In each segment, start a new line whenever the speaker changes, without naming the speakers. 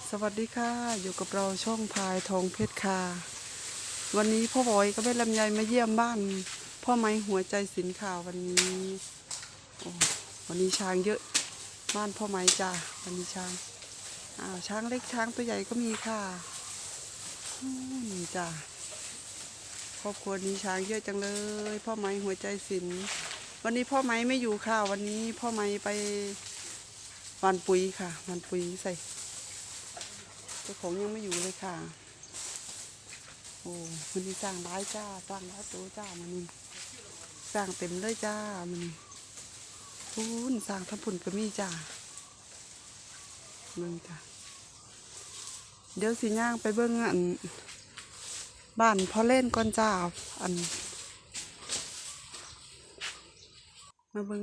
สวัสดีค่ะอยู่กับเราช่องพายทองเพชรค่ะวันนี้พ่อบอยก็แม่ลำไยมาเยี่ยมบ้านพ่อไม้หัวใจศิลป์ค่ะวันนี้โอ้วันนี้ช้างเยอะบ้านพ่อไม้จ้าวันนี้ช้างช้างเล็กช้างตัวใหญ่ก็มีค่ะนี่จ้าครอบครัวนี้ช้างเยอะจังเลยพ่อไม้หัวใจศิลป์วันนี้พ่อไม้ไม่อยู่ค่ะวันนี้พ่อไม้ไปหว่านปุ๋ยค่ะหว่านปุ๋ยใส่เจ้าของยังไม่อยู่เลยค่ะโอ้มันนี่สร้างร้ายจ้าสร้างร้ายตัวจ้ามันนี่สร้างเต็มเลยจ้ามันนี่พุ่นสร้างทั้งพุ่นก็มีจ้ามึงจ้าเดี๋ยวสิย่างไปเบิ้งบ้านพ่อเล่นก่อนจ้ามาเบิ้ง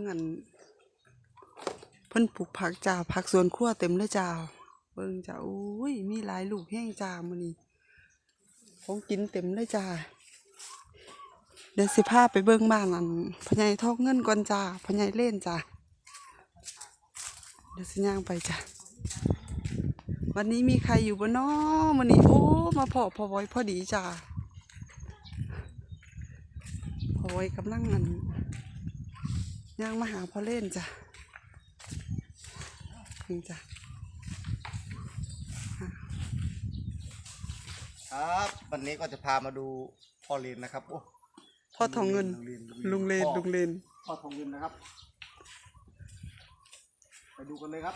เพิ่นปลูกผักจ้าผักสวนครัวเต็มเลยจ้าเบิ้งจ้าโอ้ยมีหลายลูกแห้งจ้ามันนี่ของกินเต็มเลยจ้าเดี๋ยวสิพาไปเบิ่งบ้านพ่อใหญ่ทองเงินก่อนจ้าพ่อใหญ่เล่นจ้าเดี๋ยวสิย่างไปจ้าวันนี้มีใครอยู่บ่น้อมื้อนี้โอ้มาพ่อไว้พอดีจ้าพ่อไว้กำลังย่างมาหาพ่อเล่นจ้านี่จ้า
ครับวันนี้ก็จะพามาดูพ่อเลนนะครับโอ้
พ่อทองเงินลุงเลน
พ่อทองเงินนะครับไปดูกันเลยครับ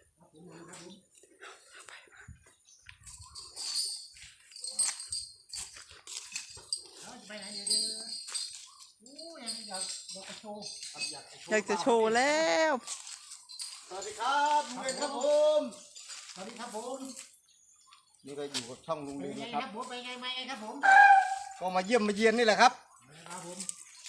อยากจะโชว์แล้ว
สวัสดีครับลุงเลนครับผมสวัสดีครับผมนี่ก็อยู่กับช่องลุงเลนนะครับ
ผมไปไงมาไงครับผม
ก็มาเยี่ยมมาเยียนนี่แหละครับ
ครับผม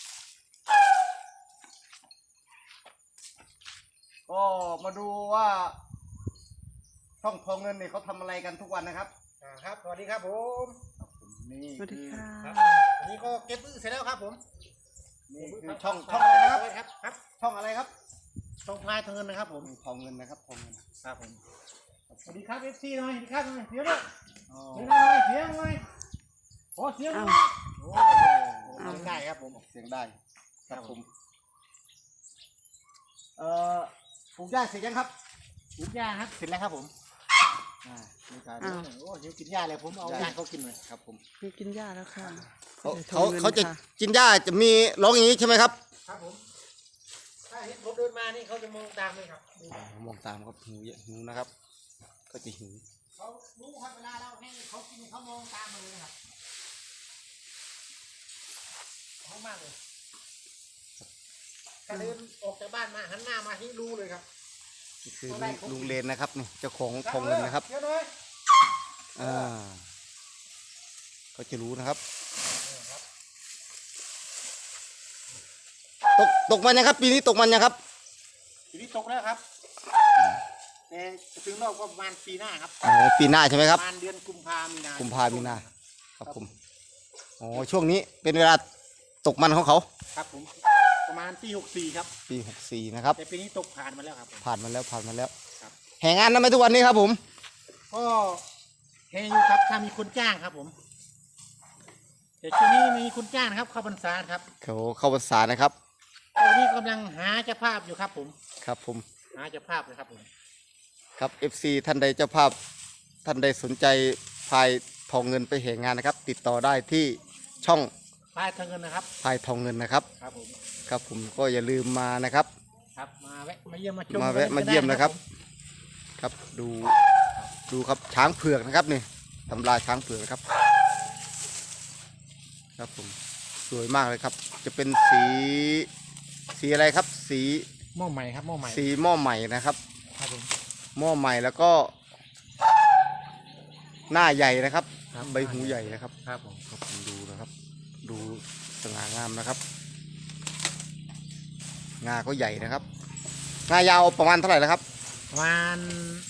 ก็มาดูว่าช่องทองเงินเนี่ยเขาทำอะไรกันทุกวันนะครับ
ครับสวัสดีครับผม
นี่
สวัสดีค่ะ
อันนี้ก็เก็บอื้อเสร็จแล้วครับผม
นี่คือช่องอะไรนะครับ
ครับ
ช่องอะไรครับ
ช่องพายทองเงินนะครับผม
ทองเงินนะครับทองเงิน
ครับผมสวัสดีครับ FC หน่อยสวัสดีครับหน่อยเสียงหน่อยเสียงหน่อยโอ้เสียงโอ้ได้ครับผม
เสียงได้ครับผมปลูกหญ้าเสร็จยังครับ
ปลูกหญ้าครับเสร็จแล้วครับผม
มีการ
โอ้ยกินหญ้าเลยผมเอาหญ้าเขากินเลย
ครับผม
มีกินหญ้าแล้วค่ะ
เขาจะกินหญ้าจะมีร้องอย่างนี้ใช่ไหมครับ
ครับผมถ้าเห็นผมเดินมานี่เขาจะมองตามเลยครับ
มองตามครับหิวนะครับก็จะหิว
เขารู้ครับเวลาเราให้เขากินเขามองตามมาเลยนะครับเขามากเลยถ้าเดินออกจากบ้านมาหันหน้ามาที่รู้เลยครับ
นี่คือลุงเลนนะครับนี่เจ้าของทองเงินนะครับเขาจะรู้นะครับตกมันยังครับปีนี้ตกมันยังครับ
ปีนี้ตกแล้วครับแต่ถึงเราก็ประมาณปีหน้าครับ
ปีหน้าใช่ไหมครับ
ประมาณเดือนกุมภามีนา
ครับผมช่วงนี้เป็นเวลาตกมันของเขา
ครับผมประมาณปี64ครับ
ปี64นะครับ
แต่ปีนี้ตกผ่านมาแล้วครับ
ผ่านมาแล้วครับแห่งานทำไมทุกวันนี้ครับผม
ก็แห่อยู่ครับถ้ามีคนจ้างครับผมแต่ช่วงนี้มีคนจ้างครับเข้าพรรษาครับ
เข้าพรรษานะครับ
ตอนนี้กำลังหาเจ้าภาพอยู่ครับผม
ครับผม
หาเจ้าภาพเลยครับผม
ครับ FC ท่านใดเจ้าภาพท่านใดสนใจพายทองเงินไปแห่งานนะครับติดต่อได้ที่ช่อง
พายทองเงินนะครับ
พายทองเงินนะครับครับผมก็อย่าลืมมานะครับ
ครับมาแวะมาเยี่ยมมาชม
มาแวะมาเยี่ยมนะครับครับดูครับช้างเผือกนะครับนี่ตำราช้างเผือกนะครับครับผมสวยมากเลยครับจะเป็นสีอะไรครับสี
หม้อใหม่ครับหม้อใหม่
สีหม้อใหม่นะครับ
ครับผม
หม้อใหม่แล้วก็หน้าใหญ่นะครับใบหูใหญ่นะครับ
ครับผม
ดูนะครับดูสง่างามนะครับงาก็ใหญ่นะครับงายาวประมาณเท่าไหร่นะครับ
ประมาณ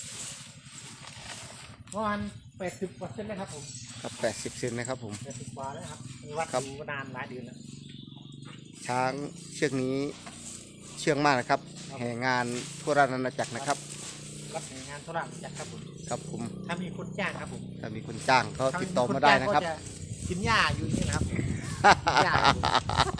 80%เลยครับผม
ครับ80 เซนนะครับผม
80 กว่าแล้วครับวัดดูนานหลายเดือนแล้ว
ช้างเชือกนี้เชื่องมากนะครับแห่งานทั่วราชอาณาจักรนะครับ
รับแห่งานทั่วราชอาณาจักรครับผม
ครับผม
ถ้ามีคนจ้างครับผม
ถ้ามีคนจ้างก็ติดต่อมาได้นะครับ
ถ้ามีจ้างก็จะกินหญ้าอยู่นี่นะครับกินหญ้าครับผม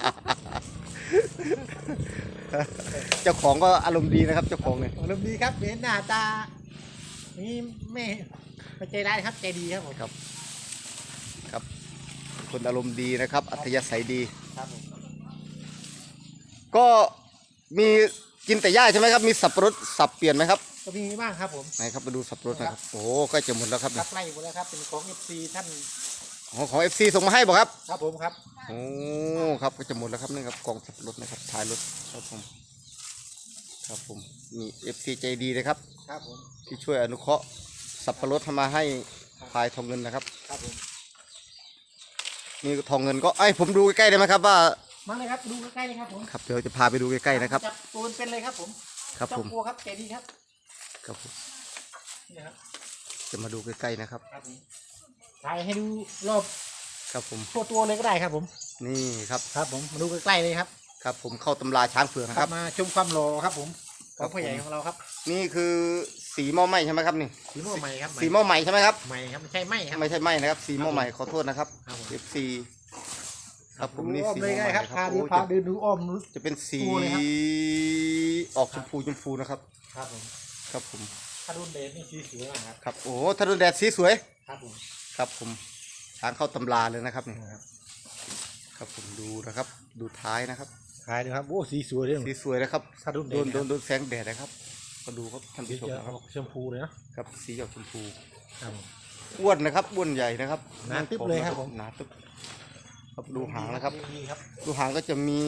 เจ้าของก็อารมณ์ดีนะครับเจ้าของเนี่ย
อารมณ์ดีครับเห็นหน้าตานี่ไม่ใจร้ายครับใจดีครับผม
ครับครับคนอารมณ์ดีนะครับ อัธยาศัยดี
ครับผม
ก็มีกินแต่หญ้าใช่ไหมครับมีสับปะรดสับเปลี่ยนไหมครับ
ก็มีบ้างครับผม
ไหนครับมาดูสับปะรดนะครับโอ้โหใกล้จะหมดแล้วครับ
รับไล่หมดแล้วครับเป็นของ FC ท่าน
ของ FC ส่งมาให้บอกครับ
ครับผมครับ
โอ้ครับก็จะหมดแล้วครับนี่ครับกล่องสับปะรดนะครับท้ายรถครับผมครับผมนี่ FC ใจดีเลยครับ
ครับผม
ที่ช่วยอนุเคราะห์สับปะรดมาให้พายทองเงินนะครับ
ครับผม
นี่ทองเงินก็ไอ้ยผมดูใกล้ๆได้ไหมครับว่า
มาเลยครับดูใกล้ๆเลยครับผม
ครับเดี๋ยวจะพาไปดูใกล้ๆนะครับ
จับตัวเป็นเลยครับผม
ครับผม
เจ้าตัวครับใจดีครับ
ครับผม
นี่ครับ
จะมาดูใกล้ๆนะครับ
ครับผมถ่ายให้ดูรอบ
ครับผม
ตัวเลยก็ได้ครับผม
นี่ครับ
ครับผมมาดูใกล้ๆเลยครับ
ครับผมเข้าตำราช้างเผือกนะครับ
มาชมความหล่อครับผมข
ครั
อบ งพ่อใหญ่ของเราครับ
นี่คือสีหม้อไหม้ใช่ไหมครับนี่
สีม่วงใหม่ครับ
สีหม้อไหม้ใช่ไหมครับ
ใหม่ครับไม่ใช่ไหมครับ
ไม่ใช่ไหม้นะครับ สีหม้อไหม้ขอโทษนะครับ
ครับผม
FC ครับผมนี่
อ้อม
สี
เลย
หม้อ
ได้
ไหม้
ครับ
ค
พา
รับ
ดู
โอ้
พาเดินดูอ้อม
จะเป็นสี
ตัวเลยครับ
ออกชมพูนะครับ
ครับผม
ครับผม
ถ้ารุ่นเดนนี่สีสวยมากครับ
ครับโอ้โหถ้าโดนแดดสีสวย
ครับผม
ครับผมช้างเข้าตำราเลยนะครับนี่
นะครับ
ครับผมดูนะครับ ดูท้ายนะครับ
ขายดูครับโอ้สีสวยเลย
สีสวยนะครับ
ถ้ารุ่นเด
โดนแสงแดดนะครับมาดูครับท่าน
สี
ผู้ชม
จะ
นะค
อ
รับ
อกชมพูเลยนะครับ
สีออกชมพู
ครับผม
อ้วนนะครับอ้วนใหญ่นะครับ
หนาตึ๊บเลยครับผม
หนาตึ๊บครับดูหางนะครับ
ดีครับ
ดูหางก็จะมี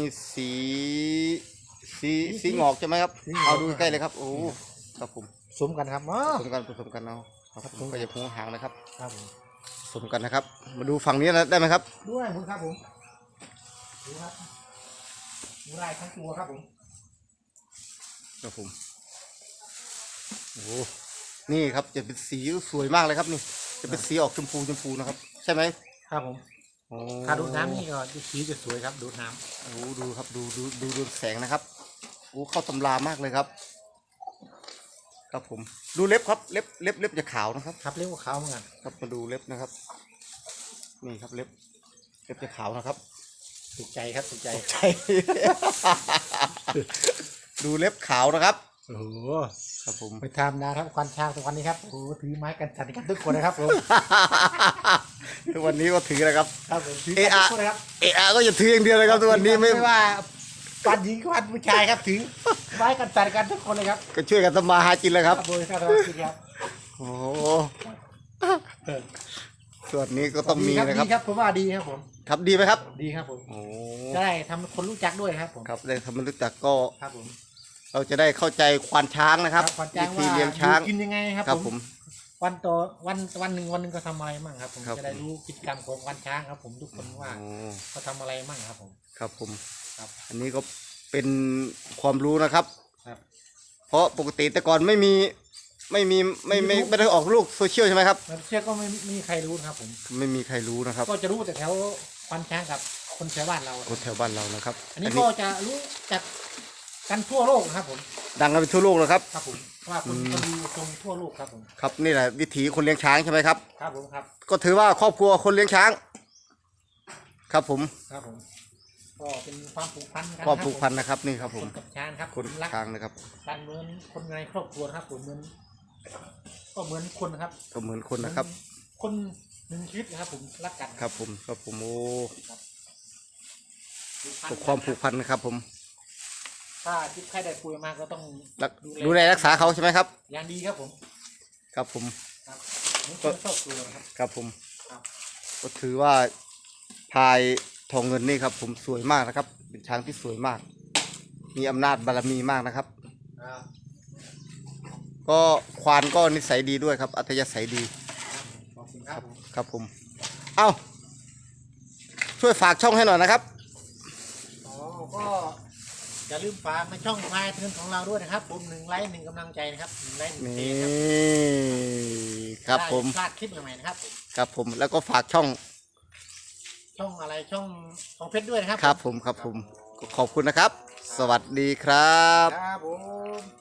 สีงอกใช่ไหมครับ
สีงอก
เอาดูใกล้เลยครับโอ้ครับผม
สมกันครับอ๋อ
ผสมกันเอาครับ
ครับ
ผมก็จะพูหางนะครับ
ครับผม
ผสมกันนะครับ มาดูฝั่งนี้นะได้ไหมครับ
ด้วยผมครับผมดูครับดูลายทั้งตัวครับผม
ครับผมโอ้นี่ครับจะเป็นสีสวยมากเลยครับนี่จะเป็นสีออกชมพูนะครับ ใช่ไหม
ครับผม
โอ้
ถ้าดูดน้ำนี่ก็สีจะสวยครับดูดน้
โอ้ดูครับดูแสงนะครับโอ้เข้าตำรามากเลยครับ ครับผมดูเล็บครับเล็บจะขาวนะครับ
ำครับเรียกว่าขาวเหมือนกัน
ครับมาดูเล็บนะครับ นี่ครับเล็บจะขาวนะครับ
ถูกใจครับถูกใจ
ใช่ ดูเล็บขาวนะครับ
โอ้โห
ครับผม
ไปทำนะครับควันช้างทุกวันนี้ครับโอ้โหถือไม้กันสั่นกันทุกคนนะครับผม
ทุกวันนี้ก็ถือนะครับ
ครับผมถือกันทุกคนนะครับ
เอะก็จะถืออย่างเดียวเลยครับทุกวันนี้ไม่
ว่าฟันหญิงกับฟันผู้ชายครับถือไม้กันสั่นกันทุกคนเลยครับ
ก็ช่วยกันทำมาหากินเลยครับ
โดยครับครับ
โอ้โหส่วนนี้ก็ต้องมีนะครับ
ดีครับผมว่าดีครับผม
ครับดีไหมครับ
ดีครับผม
โอ้
จะได้ทำคนรู้จักด้วยครับผม
ครับได้ทำมันรู้จักก็
ครับผม
เราจะได้เข้าใจควานช้างนะครับ
ขวัญจ้าง
วิธี
ว่า
เลี้ยงช้าง
กินยังไงครับ
ครับ
ผ
ผม ม
วันต่อวันหนึ่งก็ทำอะไรมั่งครับผม
ครับ
จะได้รู้กิจกรรมของวันช้างครับผมทุกคนว่า
โอ้
เขาทำอะไรมั่งครับผม
ครับผม
ครับ
อันนี้ก็เป็นความรู้นะครับ
ครับ
เพราะปกติแต่ก่อนไม่ได้ออกลูกโซเชียลใช่ไหมครับ
แล้วเชื่อก็ไม่มีใครรู้นะครับผม
ไม่มีใครรู้นะครับ
ก็จะรู้แต่แถววันช้างกับคนแถวบ้านเรา
คนแถวบ้านเรานะครับ
อันนี้ก็จะรู้จักกันทั่วโลกนะครับผม
ดังกันไปทั่วโลกแล้วครับ
ครับผมว่าคนก็ดูชมทั่วโลกครับผม
ครับนี่แหละวิถีคนเลี้ยงช้างใช่ไหมครับ
ครับผมครับ
ก็ถือว่าครอบครัวคนเลี้ยงช้าง ครับผม
ครับผมก็เป็นความผูกพันกัน
ความผูกพันนะครับนี่ครับผ
ค
ม
นกับช้างครับ
คน
รัก
ช้างนะครับ
กันเหมือนคนในครอบครัวนะครับผมเหมือนก็เหมือนคนนะครับ
ก็เหมือนคนนะครับ
คนหนึ่งชีวิตนะครับผมรักกัน
ครับผมครับผมโอ้
ผูกพัน
ความผูกพันนะครับ ผม
ถ้าจิตใครได้ป่วยมาก็ต้อง
ดูแลรักษาเขาใช่ไหมครับ
อย่างดีครับผม
ครับผม
ครับเหมือนคนครอบครัวนะครับ
ครับผม
ครับ
ก็ถือว่าพายทองเงินนี่ครับ ผมสวยมากนะครับ เป็นช้างที่สวยมาก มีอำนาจบารมีมากนะครับ
ครับ
ก็ควานก็นิสัยดีด้วยครับ อัธยาศัยดี
ขอบคุณครับผม
ครับผม เอ้าช่วยฝากช่องให้หน่อยนะครับ
อ๋อก็อย่าลืมฝากในช่องพายเทินของเราด้วยนะครับผม1 ไลค์ 1 กำลังใจนะครับ1 ไลค์ 1
นี่
เครับ
ครับผม
พลาดคลิปใหม่ๆนะครับผม
ครับผมแล้วก็ฝากช่อง
ช่องอะไรช่องของเพชรด้วยนะครับ
ครับผมครับผมขอบคุณนะครับ สวัสดีครับ
ครับผม